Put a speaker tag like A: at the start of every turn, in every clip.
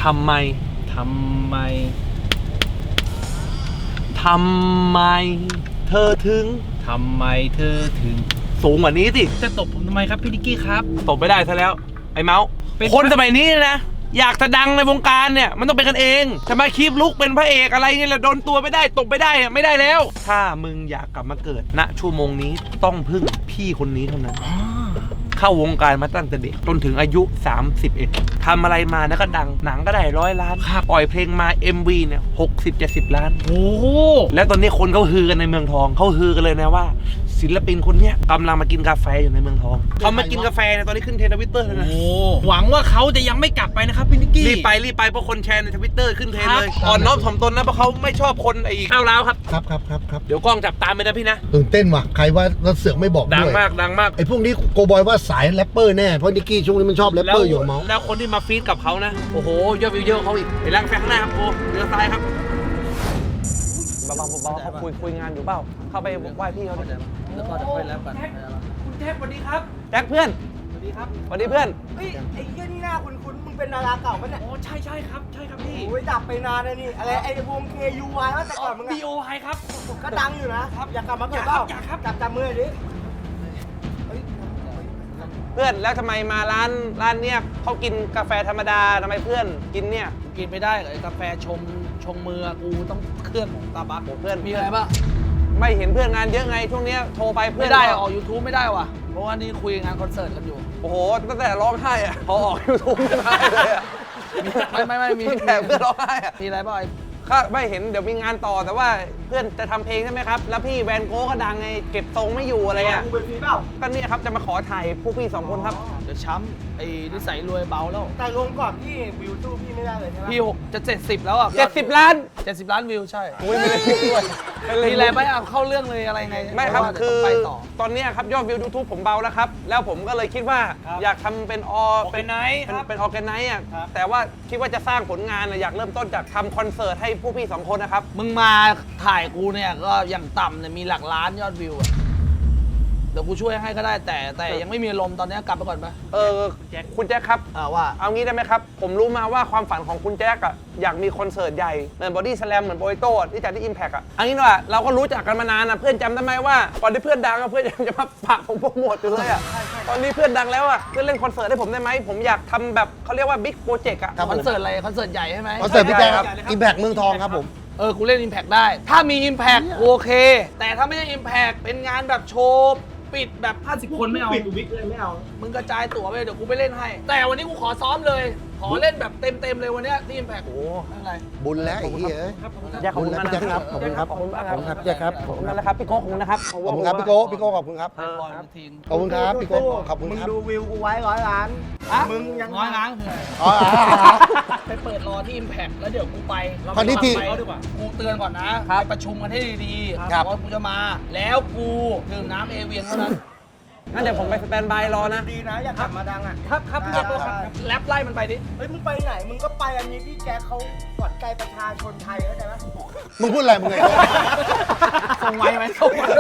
A: ทำไมเธอถึงสูงกว่านี้สิ
B: จะตบผมทำไมครับพี่นิกกี้ครับ
A: ตบไม่ได้ซะแล้วไอ้เมาส์คนสมัยนี้นะอยากจะดังในวงการเนี่ยมันต้องเป็นกันเองจะมาคีบลุกเป็นพระเอกอะไรเนี่ยแหละโดนตัวไม่ได้ตบไม่ได้ไม่ได้แล้วถ้ามึงอยากกลับมาเกิดณชั่วโมงนี้ต้องพึ่งพี่คนนี้เท่านั้นเข้าวงการมาตั้งแต่เด็กจนถึงอายุ31ทำอะไรมานะก็ดังหนังก็ได้100 ล้านปล่อยเพลงมา MV เนี่ย60-70 ล้าน
B: โอ้
A: แล้วตอนนี้คนเขาฮือกันในเมืองทองเขาฮือกันเลยนะว่าศิลปินคนเนี้ยกำลังมากินกาแฟอยู่ในเมืองทองเขามากินกาแฟเนี่ยตอนนี้ขึ้นเทรนด์ทวิตเตอร์เลยนะ
B: หวังว่าเขาจะยังไม่กลับไปนะครับพี่นิกกี้
A: รีบไปเพราะคนแชร์ในทวิตเตอร์ขึ้นเทรนด์เลยอ่อนน้อมถ่อมตนนะเพราะเขาไม่ชอบคนไอ้ข้าวร้าวครับเดี๋ยวกล้องจับตามไปนะพี่นะ
C: ตื่นเต้นว่ะใครว่าเราเสือกไม่บอกด้วย
A: ดังมาก
C: ไอ้พวกนี้โกบอยว่าสายแรปเปอร์แน่เพราะนิกกี้ช่วงนี้มันชอบแรปเปอร์อยู่เมาส์
A: แล้วคนที่มาฟีดกับเขานะโอ้โหยอดวิวเยอะเขาอีกไปล้างแฟข้างหน้าครับโอ้เรือซ้ายครับเบาเขาคุยงานอยู่เปล่าเข้าไปไหว้พี่เขาดิ
B: แล้วก็จะค่อยแล้วกัน
A: คุณแจ็คสวัสดีครับแจ็คเพื่อน
B: สวัสดีครับ
A: สวัสดีเพื่อน
D: เฮ้ยไอ้เหี้ยนี่หน้าคุ้นมึงเป็นดาราเก่าปะเนี่ย
B: โอ้ใช่ครับพี่
D: โอ้ยดับไปนานเลยนี่อะไรไอ้วง KUY ว่าแต่ก่อนมึงอะ
B: BOY ครับ
D: ก็ดังอยู่นะครับอยากกลับมาเกิดเปล่า
B: อยากครับ
D: จับมือดิ
A: เพื่อนแล้วทำไมมาร้านเนี่ยเขากินกาแฟธรรมดาทำไมเพื่อนกินเนี่ย
B: กินไม่ได้กาแฟชงมือกูต้องเครื่องของตาบัค
A: เพื่อน
B: มีอะไรบ้าง
A: ไม่เห็นเพื่อนงานเยอะไงช่วงนี้โทรไปเพื่อน
B: ไม่ได้ออก YouTube ไม่ได้ว่ะเพราะว่านี่คุยงานคอนเสิร์ตกันอยู่
A: โอ้โหตั้งแต่ร้องไห้อะพอออก YouTube ไม่ได้เลยอะ
B: ไม่มี
A: ตั้งแต่เพื่อนร้องไห้อะ
B: มีอะไรบ้าง
A: ข้าไม่เห็นเดี๋ยวมีงานต่อแต่ว่าเพื่อนจะทำเพลงใช่ไหมครับแล้วพี่แวนโก้ก็ดังไงเก็บทรงไม่อยู่อะไรอ่ะ
D: กูเป็นฟรีเปล่า
A: ก็เนี่ยครับจะมาขอถ่ายพวกพี่2 คนครับ
B: เดี๋ยวช้ำไอ้นิสัยรวยเบาแล้ว
D: แต่ลงก่อนพี่วิวสู้พี่ไม่ได้เลยใช่ไหม
B: พี่6จะ70แล้วอ่ะ
A: 70 ล้าน
B: 70 ล้านวิวใช่
A: ไม่ได้ด้วย
B: มีอะไรไหมเข้าเรื่องเลยอะไรไง
A: ไม่ครับคือตอนนี้ครับยอดวิว YouTube ผมเบาแล้วครับแล้วผมก็เลยคิดว่าอยากทำเป็นออร์แกไนซ์อ่ะแต่ว่าคิดว่าจะสร้างผลงานอยากเริ่มต้นจากทำคอนเสิร์ตให้พวกพี่2 คนนะครับ
B: มึงมาถ่ายกูเนี่ยก็อย่างต่ำเนี่ยมีหลักล้านยอดวิวอะเดี๋ยวกูช่วยให้ก็ได้แต่ยังไม่มีลมตอนนี้กลับไปก่อนไป
A: คุณแจ็คครับ
B: ว่า
A: เอางี้ได้ไหมครับผมรู้มาว่าความฝันของคุณแจ็คอะอยากมีคอนเสิร์ตใหญ่เหมือนบอดี้สแลมเหมือนโบยโต้ที่จัดที่ Impact อะอันนี้ว่าเราก็รู้จักกันมานานนะเพื่อนจำได้ไหมว่าก่อนที่เพื่อนดังเพื่อนยังจะมาฝากผมโปรโมทอยู่เลยอะตอนนี้เพื่อนดังแล้วอะเพื่อนเล่นคอนเสิร์ตให้ผมได้ไหมผมอยากทำแบบเขาเรียกว่าบิ๊กโปรเจกต์อะ
B: คอนเสิร์ตอะไรคอนเสิร์ตใหญ่ใช่ไหม
C: คอนเสิร์ตพี่แจ๊คครับ Impact เมืองทองครับผม
B: กูเล่น Impact ได้ถ้ามี Impact โอเคแต่ถ้าไม่ใช่ Impact เป็นงานแบบโชว์ปิดแบบ50 คนไม่เอา
D: ปิดวิกเลยไม่เอา
B: มึงกระจายตั๋วไปเดี๋ยวกูไปเล่นให้แต่วันนี้กูขอซ้อมเลยขอเล่นแบบเต็มเลยวันนี้ที่ Impact
A: โอ้
B: อะไร
C: บุญแล้วไอ้เหี้ย
A: ขอบคุณมาก
C: ครับขอบคุณครับขอบคุณครับแจ๊คครับ
A: ขอบคุณนะครับพี่โก้ขอบคุณนะครับ
C: ขอบคุณครับพี่โก้ขอบคุณครับขอบคุณครับพี่โก้ขอบคุณครับ
D: มึงดูวิวกูไว้100 ล้านมึงยัง
B: 100 ล้านคือไปเปิดรอที่ Impact แล้วเดี๋ยวกูไป
C: ตอนนี้ที
B: กูเตือนก่อนนะไปประชุมกันให้ดีๆว่ากูจะมาแล้วกูดื่มน้ำเอเวียนเท่านั้น
A: งั้นเดี๋ยวผมไปสแตนบายรอนะ
D: ดีนะอยากกลับมาดังอ่ะ
B: ครับพี่แจ็คแรปไล่มันไปดิ
D: เฮ้ยมึงไปไหนมึงก็ไปอันนี้พี่แจ็คเขาขวัญใจประชาชนไทยเข้าใจไหม
C: มึงพูดอะไรมึงไง
B: ส่งไว้ไหมส่งไว้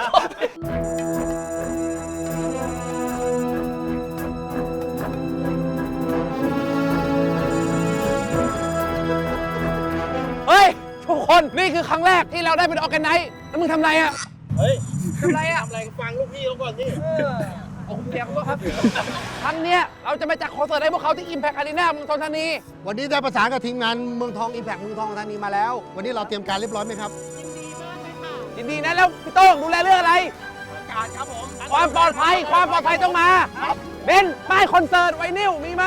A: เฮ้ยทุกคนนี่คือครั้งแรกที่เราได้เป็นออร์แกไนซ์แล้วมึงทำไรอ่ะ
D: เฮ้ย
B: ทำไร
D: ฟังลูกพี่เขาก่อนนี่
B: คุณแจ็คก็ครับ
A: ครั้งเนี้ยเราจะไปจัดคอนเสิร์ตให้พวกเขาที่ Impact Arena เมืองทองธานี
C: วันนี้ได้ประสานกับทีมงานเมืองทอง Impact เมืองทองธานีมาแล้ววันนี้เราเตรียมการเรียบร้อยไหมครับ
A: ยินดีนะแล้วพี่โต้งดูแลเรื่องอะไร
D: การครับผม
A: ความปลอดภัยต้องมาเบนป้ายคอนเสิร์ตไวนิลมีไหม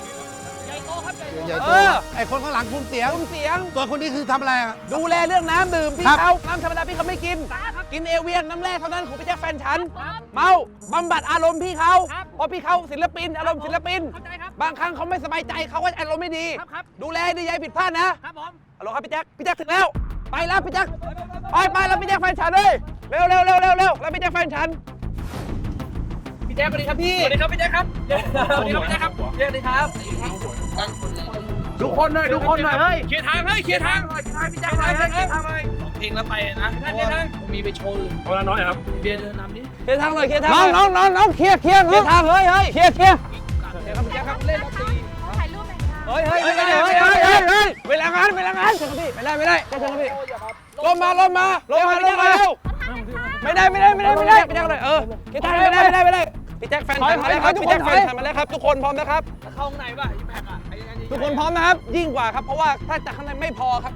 C: ไอคนข้างหลังคุมเสียงตัวคนนี้คือทำอะไร
A: ดูแลเรื่องน้ำดื่มพี่เขาน้ำธรรมดาพี่เขาไม่กินเอเวียนน้ำแร่เท่านั้นของพี่แจ็คแฟนฉันเมาบำบัดอารมณ์พี่เขาเพราะพี่เขาศิลปินอารมณ์ศิลปินบางครั้งเขาไม่สบายใจเขาก็อารมณ์ไม่ดีดูแลดีอย่าผิดพลาดนะครับผมฮัลโหลครับพี่แจ็คถึงแล้วไปแล้วพี่แจ็คไปแล้วพี่แจ็คแฟนฉันเลยเร็วแล้วพี่แจ็คแฟนฉัน
B: พี่แจ็คสวัสดีครับพี่สวัสดีครับพี่แจ็คครับสวัสดีครับพี่แจ็คครับสวัสดีครับ
A: ทุกคนหน่อยเฮ้ย
B: เคลียร์ทางพี่แจ็คเพลงแล้วไปนะมีไปโชว์อื่น
A: เวลาน้อยครับ
B: เบียร์เดินนำดิ
A: เคลียร์ทางเลยน้องเคลียร์ทางเฮ้ยเคลียร์
B: ครับพี่แจ็คครับเล่นดนตรี
A: เฮ้ยชิญครับพี่ไม่ได้แจ็คเชิญครับพี่ลมมาเร็วไม่ได้พี่แจ็คเลยพี่แจ็คไม่ได้พี่แจ็คแฟนฉันมาแล้วครับพี่แจ็คแฟนฉันมาแล้วครับทุกคนพร้อมนะครับ
B: เข้าข้างในป่ะอีแพ็คอ่ะไอ้ยังไง
A: ทุกคนพร้อมนะครับยิ่งกว่าครับเพราะว่าถ้าจากข้างในไม่พอครับ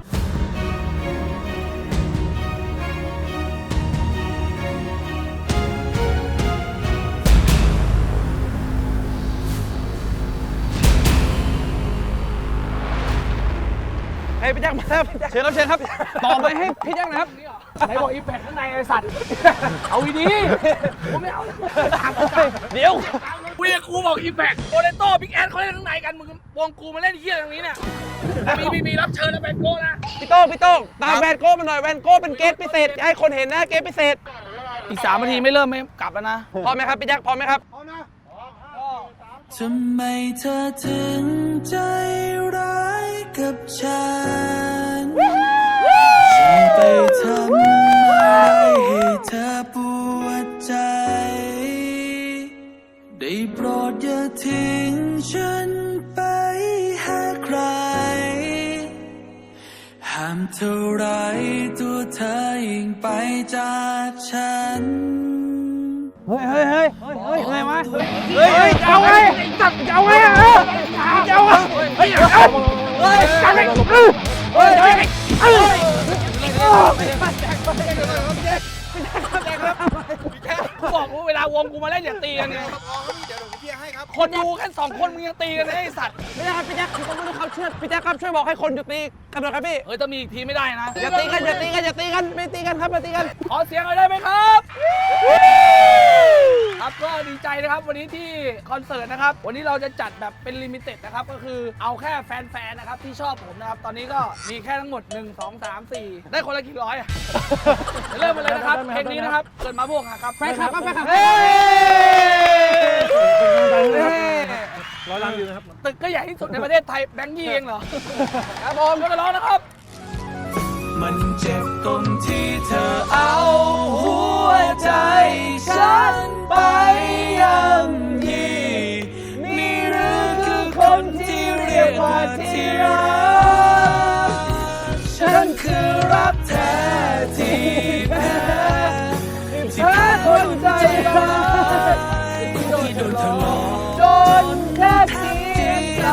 A: ให้พี่แจ็คมาแล้วพี่แจ็คเชิญครับต่อไปให้พี่แจ็คนะครับ
B: ไหนบอกอีแพ็คข้างในไอ้สัตว์เอาดีกูไม่เอา
A: เดี๋ยว
B: กูบอกอีแพ็คโอเลโต้บิ๊กแอนเขาเล่นข้างในกันมึงวงกูมาเล่นเหี้ยตรงนี้เนี่ยมีรับเชิญนะแบนโก้นะ
A: พี่โต้งตามแวนโก้มาหน่อยแวนโก้เป็นเกสพิเศษให้คนเห็นนะเกสพิเศษ
B: อีก3 นาทีไม่เริ่มไม่กลับแล้วนะ
A: พร้อมไหมครับพี่แจ็คพร้อมไหมครับ
E: ทำไมเธอถึงใจร้ายกับฉัน ฉันไปทำอะไรให้เธอปวดใจ ได้โปรดอย่าทิ้งฉันไปหาใคร ห้ามเท่าไรตัวเธอยิ่งไปจากฉัน
A: เฮ้ยไงวะเฮ้ยจะเอาไงจะเอาไงจะเอาไงเฮ้ยจะไง
B: กูบอกว่าเวลาวงกูมาเล่นอย่าตีกันไงคนดูแค่2 คนมึงยังตีกันเลยไอ้สัตว์
A: ไม่ได้ครับพี่แจ็คคือต้องไม่ต้องเขาเชื่อพี่แจ็คครับช่วยบอกให้คนหยุดตีกันหน่อยครับพี่
B: ถ้ามีอีกทีไม่ได้นะ
A: อย่าตีกันไม่ตีกันครับไม่ตีกัน
B: ขอเสียงหน่อยได้ไหมครับครับก็ดีใจนะครับวันนี้ที่คอนเสิร์ตนะครับวันนี้เราจะจัดแบบเป็นลิมิเต็ดนะครับก็คือเอาแค่แฟนๆนะครับที่ชอบผมนะครับตอนนี้ก็มีแค่ทั้งหมด1 2 3 4ได้คนละกี่ร้อยอะเริ่มมาเลยนะครับเพลงนี้นะครับเกิดมาพวกครับแฟนคลับ
A: ร้อยล้านวิวนะครับ
B: ตึกก็ใหญ่ที่สุดในประเทศไทยแบงค์ยี่เองเหรอครับผมก็จะร้องนะครับ
E: มันเจ็บตรงที่เธอเอาหัวใจฉันไปย่ำยีนี่หรือคือคนที่เรียกว่าที่รักฉันคือรักแท้ที่แพ้ที่แพ้คนใจร้ายที่โดนเธอหลอกจนแค่เพียงใจ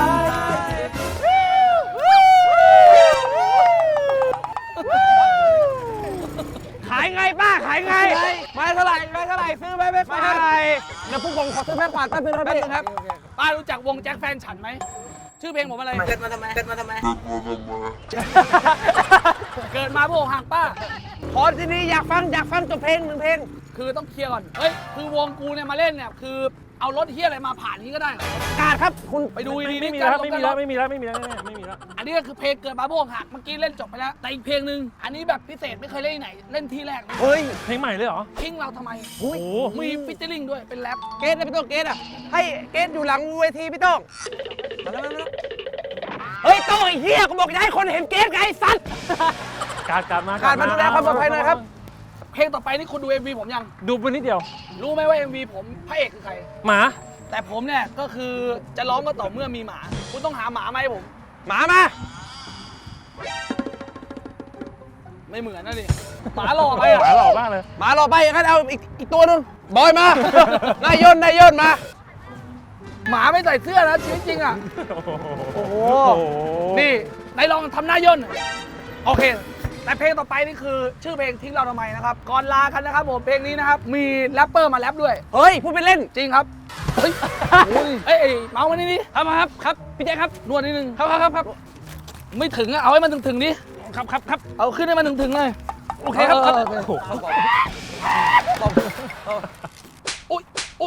A: ขายไงป้าขายไงไม้เท่าไหร่ซื้อไหมไม่เท่าไหร่เดี๋ยวพวกผมขอซื้อแม่กวาดแป๊บนึงครับ
B: ป้ารู้จักวงแจ็คแฟนฉันไหมชื่อเพลงผมอะไรเกิดมาทำไมเกิดมาพวกห่างป้า
A: ขอที่นี่อยากฟังจบเพลง1 เพลง
B: คือต้องเคลียร์ก่อนเฮ้ยคือวงกูเนี่ยมาเล่นเนี่ยคือเอารถเฮียอะไรมาผ่านนี้ก็ได้เหรอก
A: าดครับคุณ
B: ไปดูดีๆ
A: ไม่มี
B: กัน
A: แล้ว
B: ไม่มีแล้ว อันนี้ก็คือเพลงเกิดมาพวกหักเมื่อกี้เล่นจบไปแล้วแต่อีกเพลงหนึ่งอันนี้แบบพิเศษไม่เคยเล่นที่ไหนเล่นที่แรก
A: เฮ้ย
F: เพลงใหม่เลยเหรอ
B: ทิ้งเราทำไม
F: โอ้โห
B: มีฟิชเชอร์ลิงด้วยเป็นแรป
A: เกสนะพี่โต้งเกสอ่ะให้เกสอยู่หลังเวทีพี่โต้งมาแล้วเฮ้ยโต้งไอ้เหี้ยกูบอกจะให้คนเห็นเกสไงไอ้สัตว์
F: การมา
A: การมาดูแลความปลอดภัยหน่อยครับ
B: เพลงต่อไปนี่คุณดู MV ผมยัง
F: ดูไปนิดเดียว
B: รู้ไหมว่า MV ผมพระเอกคือใคร
F: หมา
B: แต่ผมเนี่ยก็คือจะร้องก็ต่อเมื่อมีหมา คุณต้องหาหมามาให้ผม
A: หมามา
B: ไม่เหมือนนะดิหมาหล่อไปอ่ะ
F: หมาหล่อมากเลย
A: หมารอไปงั้นเอาอีกตัวหนึงบอยมา นายย่นมา
B: หมาไม่ใส่เสื้อนะชีวิตจริงอ่ะ
F: โอ้โห
B: นี่นายลองทำหน้าย่นหน่อยโอเค แต่เพลงต่อไปนี่คือชื่อเพลงทิ้งเราทำไมนะครับ ก่อนลากันนะครับผมเพลงนี้นะครับมีแรปเปอร์มาแรปด้วย
A: เฮ้ยพูดเป็นเล่น
B: จริงครับ เฮ้ยโอ้ยเอ้ยเมาส์มานี่ดิ
A: ครับพี่แจ๊คครับ
B: นวดนิดนึง
A: ครับ
B: ไม่ถึงอะเอาให้มันถึงๆดิ
A: ครับ
B: เอาขึ้นให้มันถึงๆเลย
A: โอเคครับ
B: โออุ๊ย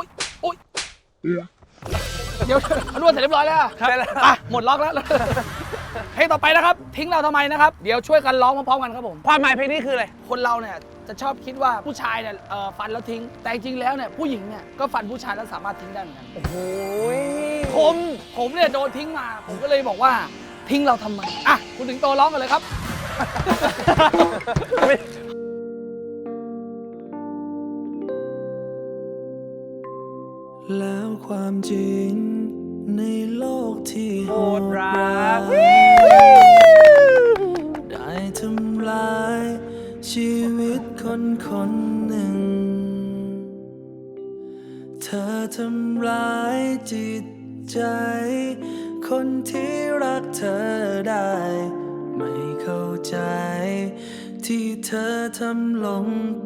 B: เดี๋ยวนวดเสร็จเรียบร้อยแล้ว
A: ใช่แล้ว
B: อ่ะหมดล็อกแล้วเพลงต่อไปนะครับ ทิ้งเราทำไมนะครับเดี๋ยวช่วยกันร้องพร้อมๆกันครับผม
A: ความหมายเพลงนี้คืออะไร
B: คนเราเนี่ยจะชอบคิดว่าผู้ชายเนี่ยฟันแล้วทิ้ง แต่จริงๆแล้วเนี่ยผู้หญิงเนี่ยก็ฟันผู้ชายแล้วสามารถทิ้งได้เหมือนกัน
A: โอ้ย
B: ผมเนี่ยโดนทิ้งมา ผมก็เลยบอกว่าทิ้งเราทำไมอ่ะคุณถึงโตร้องกันเลยครับ
E: แล้วความจริงในโลกที่โหดร้ายใจ คนที่รักเธอได้ ไม่เข้าใจ ที่เธอทำลงไป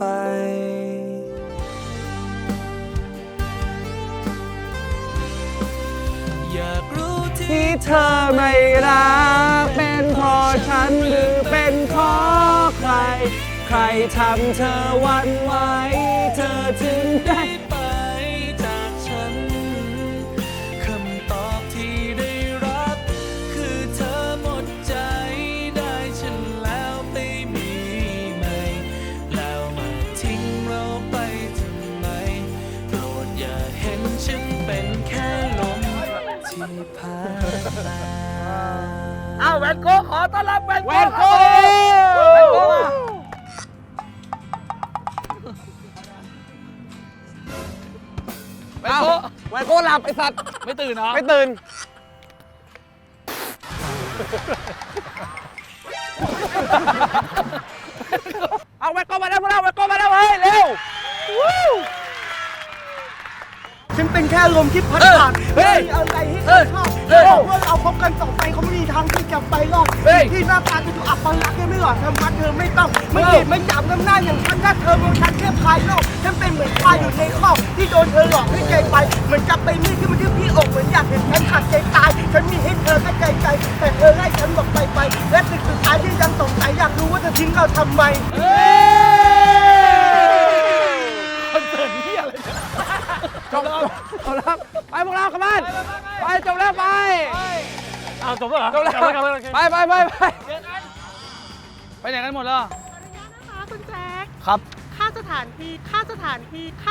E: อยากรู้ที่เธอไม่รักเป็นเพราะฉันหรือเป็นเพราะใคร ใครทำเธอหวั่นไหวเธอถึงได้ไปจากฉัน คำตอบที่ได้รับคือเธอหมดใจได้ฉันแล้วไปมีใหม่ แล้วมาทิ้งเราไปทำไม โปรดอย่าเห็นฉันเป็นแค่ลมที่ผ่านมา
B: เอาแวนโก้ขอต้อนรับแวนโก้ครับผมแวนโก้มาแวนโก้
A: แวนโก้หลับไอสัตว์
B: ไม่ตื่นเหรอ
A: ไม่ตื่น เอาแวนโก้มาแล้วพวกเราแวนโก้มาแล้วเฮ้ยเร็ว
D: ฉันเป็นแค่ลมที่พัดผ่าน
A: เฮ้ย
D: ไม่มีอะไรให้เธ
A: เฮ้
D: อย ชอบ
A: เฮ้ย
D: เมื่อเราพบกันต่อไปเขาไม่มีทางที่จะไปรอด
A: เฮ้ย
D: ที่หน้าตาจะดูอับปลักษณ์ไม่หล่อทำพัดเธอไม่ต้องไม่เกลียดไม่หยาบน้ำหน้าอย่างฉันถ้าเธอมองฉันแค่ภายนอกฉันเป็นเหมือนควายอยู่ในคอกที่โดนเธอหลอกให้ใจไปเหมือนจับไปมีดที่มันที่พี่อกเหมือนอยากเห็นฉันขาดใจตายฉันมีให้เธอแค่ใจแต่เธอไล่ฉันบอกไปและสิ่งสุดท้ายที่ยังสงสัยอยากรู้ว่าเธอทิ้งเราทำไม
B: คอนเสิร์ตเหี้ยอะไรเนี่ย
A: จบแล้วไปพวกเรากลับบ้านไปจบแล้วไป
F: อ้าวจบแล้วเหรอ
A: จบแล้ว
F: กลับโอเค
A: ไป
B: ไปไหนกันหมดแล้ว
G: นะคะคุณแจ็ค
B: ครับ
G: ค่าสถานที่อะค่ะ
B: ค่าสถาน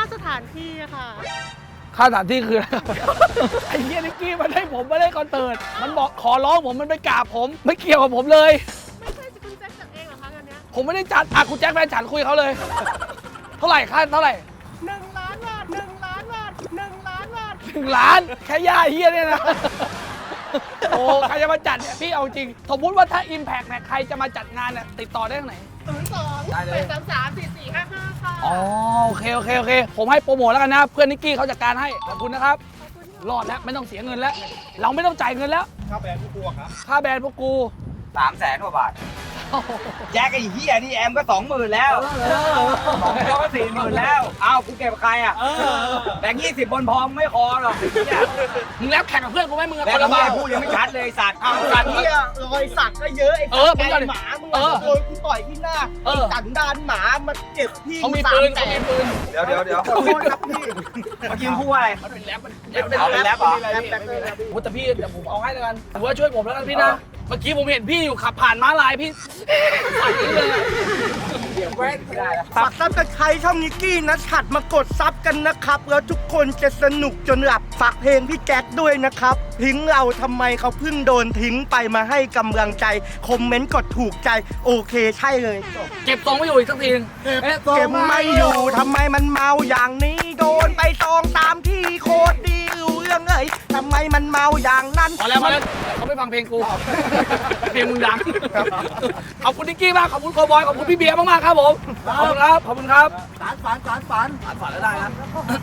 B: ที่คืออะไร ไอ้เหี้ยนิกกี้มันให้ผมไม่ได้คอนเสิร์ตมันบอกขอร้องผมมันไปกราบผมไม่เกี่ยวกับผมเลย
G: ไม่ใช่คุณแจ็คจัดเองเหรอคะงานเนี้ย
B: ผมไม่ได้จัดคุณแจ็คแฟนฉันคุยเขาเลย เท่าไหร่ค่าเท่าไหร่
G: 1 ล้านบาท 1 ล้านบาท 1 ล้านบาท
B: 1 ล้านแค่ย่าเฮียเนี่ยนะ โอ้ใครจะมาจัดเนี่ยพี่เอาจริง สมมุติว่าถ้า Impact เนี่ยใครจะมาจัดงานเนี่ยติดต่อได้ทางไหน
G: 02-833-4455 ค่ะ
B: อ๋อโอเค ผมให้โปรโมทแล้วกันนะ เพื่อนนิกกี้เขาจัดการให้ ขอบคุณนะครับ รอดแล้ว ไม่ต้องเสียเงินแล้ว เราไม่ต้องจ่ายเงินแล้ว ค่าแบรนด์พวกกูครับ ค่าแบรนด์พวกกู
H: 300,000 กว่าบาท แจ็คไอ้เหี้ยนี่แอมก็ 20,000 แล้วของเขาก็ 40,000 แล้ว อ้าวกูเก็บใครอ่ะแบงค์20 บนพร้อมไม่พอหรอกไอ้เหี้ย
B: มึงแล้วแข่งกับเพื่อนกูไหมมึงอะ
H: แล้ว
B: คนละ
H: เหี้
B: บาย ท
H: พูดยังไม่ชัดเลยไอ้สัตว์
D: สัตว์เนี่ยรอยสักก็เยอะไอ้
B: เออ
D: สัตว์
B: มึง
D: ไก่
B: ก่อน
D: หมามึง
B: เออ
D: โดนกูต่อยที่หน้า
B: เอ
D: ไอ้
B: อ
D: สันดานหมามาเจ็บพี่
B: เขามีปืน
D: 300,000
B: เขามีปืน
H: เดี๋ยว
D: ขอโทษครับพี่
H: เมื่อกี้มึงพูดว่าอะไร
B: มันเป็นแรปมัน
H: เอาเป็นแรปเหรอ
B: ไม่มีอะไรพี่โอ้แต่พี่เดี๋ยวผมเอาให้แล้วกันถือว่าช่วยผมแล้วกันพี่นะ เมื่อกี้ผมเห็นพี่อยู่ขับผ่านม้าลายพี่ใส่เลยอะ
D: ฝากซับกับใครช่องนิกกี้นะฉัดมากดซับกันนะครับ แล้วทุกคนจะสนุกจนหลับฝากเพลงพี่แจ็คด้วยนะครับทิ้งเราทำไมเขาเพิ่งโดนทิ้งไปมาให้กำลังใจคอมเมนต์กดถูกใจโอเคใช่เลยจบ
B: เก็บทรงไม่อยู่อีกสักทีนึง
D: เก็บไม่อยู่ทำไมมันเมาอย่างนี้โดนไป2-3ที่โคตรดีรู้เรื่องเลยทำไมมันเมาอย่างนั้น
B: พอแล้วเขาไม่ฟังเพลงกู เพลงมึงดัง ขอบคุณนิกกี้มาก ขอบคุณโคบอย ขอบคุณพี่เบียร์มากๆครับผม ขอบคุณครับ ขอบคุณครับ
D: ฝัน
B: ฝันแล้วได้นะ